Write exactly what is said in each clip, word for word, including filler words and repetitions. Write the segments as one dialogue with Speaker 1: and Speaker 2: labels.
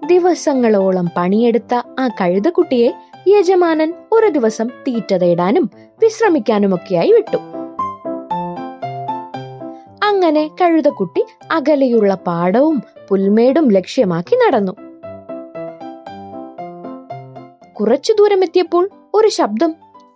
Speaker 1: ദിവസങ്ങളോളം പണിയെടുത്ത ആ കഴുതക്കുട്ടിയെ യജമാനൻ ഒരു ദിവസം തീറ്റ തേടാനും വിശ്രമിക്കാനുമൊക്കെയായി വിട്ടു. അങ്ങനെ കഴുതക്കുട്ടി അകലെയുള്ള പാടവും പുൽമേടും ലക്ഷ്യമാക്കി നടന്നു. കുറച്ചു ദൂരം എത്തിയപ്പോൾ ഒരു ശബ്ദം.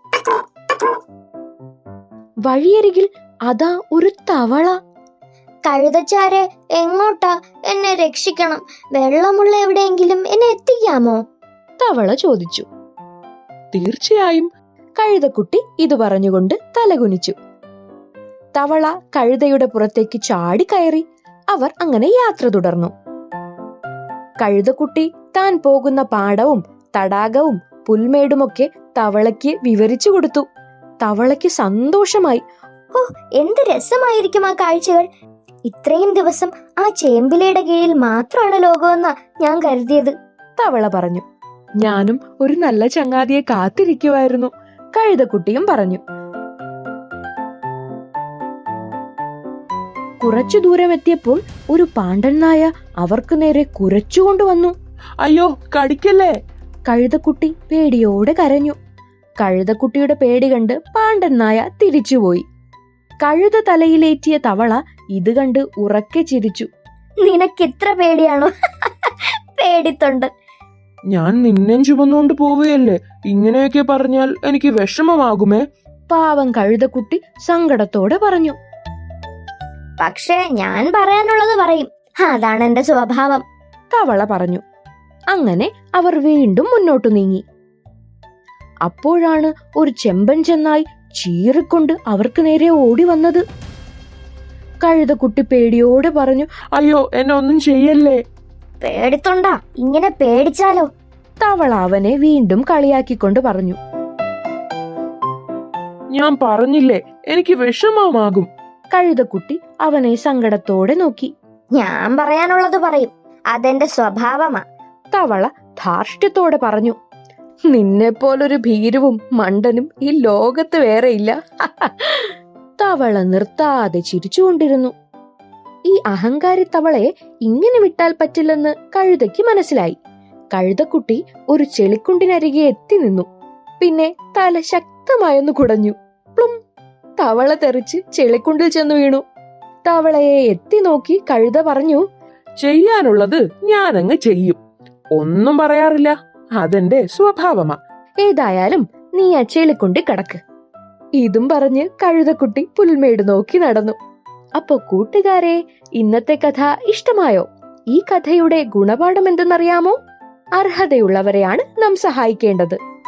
Speaker 1: വഴിയരികിൽ അതാ ഒരു തവള.
Speaker 2: കഴുതച്ചാരെ, എങ്ങോട്ടാ? എന്നെ രക്ഷിക്കണം. വെള്ളമുള്ള എവിടെയെങ്കിലും എന്നെ എത്തിക്കാമോ?
Speaker 1: തവള ചോദിച്ചു.
Speaker 3: തീർച്ചയായും.
Speaker 1: കഴുതക്കുട്ടി ഇത് പറഞ്ഞുകൊണ്ട് തലകുനിച്ചു. തവള കഴുതയുടെ പുറത്തേക്ക് ചാടി കയറി. അവർ അങ്ങനെ യാത്ര തുടർന്നു. കഴുതക്കുട്ടി താൻ പോകുന്ന പാടവും തടാകവും പുൽമേടുമൊക്കെ തവളയ്ക്ക് വിവരിച്ചു കൊടുത്തു. തവളയ്ക്ക് സന്തോഷമായി.
Speaker 2: ഓ, എന്ത് രസമായിരിക്കും ആ കാഴ്ചകൾ! ഇത്രയും ദിവസം ആ ചേമ്പിലയുടെ കീഴിൽ മാത്രമാണ് ലോകമെന്നാ ഞാൻ കരുതിയത്.
Speaker 1: തവള പറഞ്ഞു.
Speaker 3: ഞാനും ഒരു നല്ല ചങ്ങാതിയെ കാത്തിരിക്കുവായിരുന്നു.
Speaker 1: കഴുതക്കുട്ടിയും പറഞ്ഞു. കുറച്ചു ദൂരം എത്തിയപ്പോൾ ഒരു പാണ്ടൻ നായ അവർക്ക് നേരെ കുരച്ചുകൊണ്ടുവന്നു.
Speaker 3: അയ്യോ, കടിക്കല്ലേ!
Speaker 1: കഴുതക്കുട്ടി പേടിയോടെ കരഞ്ഞു. കഴുതക്കുട്ടിയുടെ പേടി കണ്ട് പാണ്ടൻ നായ തിരിച്ചുപോയി. കഴുത തലയിലേറ്റിയ തവള ഇത് കണ്ട് ഉറക്കെ ചിരിച്ചു.
Speaker 2: നിനക്കിത്ര പേടിയാണോ? പേടിത്തൊണ്ടൻ.
Speaker 3: ഞാൻ നിന്നെ ചുമന്നുകൊണ്ട് പോവുകയല്ലേ, ഇങ്ങനെയൊക്കെ പറഞ്ഞാൽ എനിക്ക് വിഷമമാകുമേ.
Speaker 1: പാവം കഴുതക്കുട്ടി സങ്കടത്തോടെ പറഞ്ഞു.
Speaker 2: പക്ഷേ ഞാൻ പറയാനുള്ളത് പറയും, അതാണ് എന്റെ സ്വഭാവം.
Speaker 1: തവള പറഞ്ഞു. അങ്ങനെ അവർ വീണ്ടും മുന്നോട്ടു നീങ്ങി. അപ്പോഴാണ് ഒരു ചെമ്പൻ ചെന്നായി ചീറിക്കൊണ്ട് അവർക്ക് നേരെ ഓടി വന്നത്. കഴുതക്കുട്ടി പേടിയോടെ പറഞ്ഞു.
Speaker 3: അയ്യോ, എന്നെ ഒന്നും ചെയ്യല്ലേ.
Speaker 2: പേടിത്തൊണ്ടാ, ഇങ്ങനെ പേടിച്ചാലോ?
Speaker 1: തവള അവനെ വീണ്ടും കളിയാക്കിക്കൊണ്ട് പറഞ്ഞു.
Speaker 3: ഞാൻ പറഞ്ഞില്ലേ, എനിക്ക് വിഷമമാകും.
Speaker 1: കഴുതക്കുട്ടി അവനെ സങ്കടത്തോടെ നോക്കി.
Speaker 2: ഞാൻ പറയാനുള്ളത് പറയും, അതെന്റെ സ്വഭാവമാ.
Speaker 1: തവള ധാർഷ്ട്യത്തോടെ പറഞ്ഞു. നിന്നെപ്പോലൊരു ഭീരുവും മണ്ടനും ഈ ലോകത്ത് വേറെയില്ല. തവള നിർത്താതെ ചിരിച്ചുകൊണ്ടിരുന്നു. ഈ അഹങ്കാരി തവളയെ ഇങ്ങനെ വിട്ടാൽ പറ്റില്ലെന്ന് കഴുതയ്ക്ക് മനസ്സിലായി. കഴുതക്കുട്ടി ഒരു ചെളിക്കുണ്ടിനരികെ എത്തി നിന്നു. പിന്നെ തല ശക്തമായൊന്ന് കുടഞ്ഞു. പ്ലും! തവള തെറിച്ച് ചെളിക്കുണ്ടിൽ ചെന്നു വീണു. തവളയെ എത്തി നോക്കി കഴുത പറഞ്ഞു.
Speaker 3: ചെയ്യാനുള്ളത് ഞാനങ്ങ് ചെയ്യും, ഒന്നും പറയാറില്ല. അതെന്റെ സ്വഭാവമാ.
Speaker 1: ഏതായാലും നീ ആ ചെളിക്കുണ്ടി കിടക്ക്. ഇതും പറഞ്ഞ് കഴുതക്കുട്ടി പുൽമേട് നോക്കി നടന്നു. അപ്പൊ കൂട്ടുകാരെ, ഇന്നത്തെ കഥ ഇഷ്ടമായോ? ഈ കഥയുടെ ഗുണപാഠം എന്തെന്നറിയാമോ? അർഹതയുള്ളവരെയാണ് നാം സഹായിക്കേണ്ടത്.